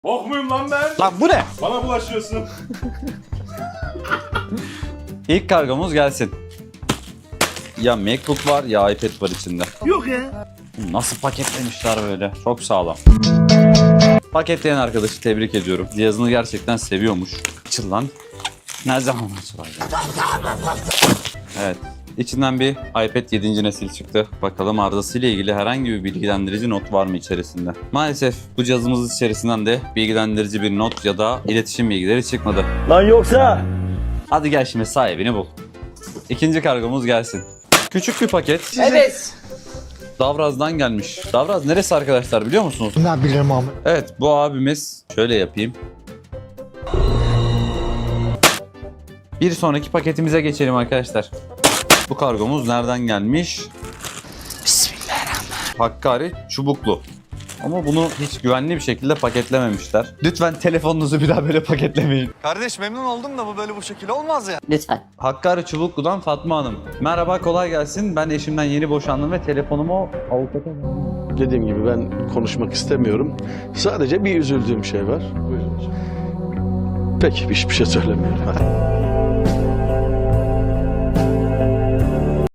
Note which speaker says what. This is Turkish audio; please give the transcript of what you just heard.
Speaker 1: Bok muyum lan ben?
Speaker 2: Lan bu ne?
Speaker 1: Bana bulaşıyorsun.
Speaker 2: İlk kargomuz gelsin. Ya MacBook var ya iPad var içinde.
Speaker 3: Yok ya.
Speaker 2: Nasıl paketlemişler böyle? Çok sağlam. Paketleyen arkadaşı tebrik ediyorum. Cihazını gerçekten seviyormuş. Açıl lan. Ne zaman açılacak? Evet. İçinden bir iPad 7. nesil çıktı. Bakalım arızasıyla ilgili herhangi bir bilgilendirici not var mı içerisinde? Maalesef bu cihazımız içerisinden de bilgilendirici bir not ya da iletişim bilgileri çıkmadı.
Speaker 3: Lan yoksa?
Speaker 2: Hadi gel şimdi sahibini bul. İkinci kargomuz gelsin. Küçük bir paket.
Speaker 4: Evet.
Speaker 2: Davraz'dan gelmiş. Davraz neresi arkadaşlar biliyor musunuz?
Speaker 5: Ne bilirim abi.
Speaker 2: Evet bu abimiz şöyle yapayım. Bir sonraki paketimize geçelim arkadaşlar. Bu kargomuz nereden gelmiş? Bismillahirrahmanirrahim. Hakkari çubuklu. Ama bunu hiç güvenli bir şekilde paketlememişler. Lütfen telefonunuzu bir daha böyle paketlemeyin.
Speaker 6: Kardeş memnun oldum da bu böyle bu şekilde olmaz ya.
Speaker 4: Lütfen.
Speaker 2: Hakkari Çubuklu'dan Fatma Hanım. Merhaba kolay gelsin. Ben eşimden yeni boşandım ve telefonumu avukata...
Speaker 7: Dediğim gibi ben konuşmak istemiyorum. Sadece bir üzüldüğüm şey var. Buyurun hocam. Peki hiçbir şey söylemiyorum. Hadi.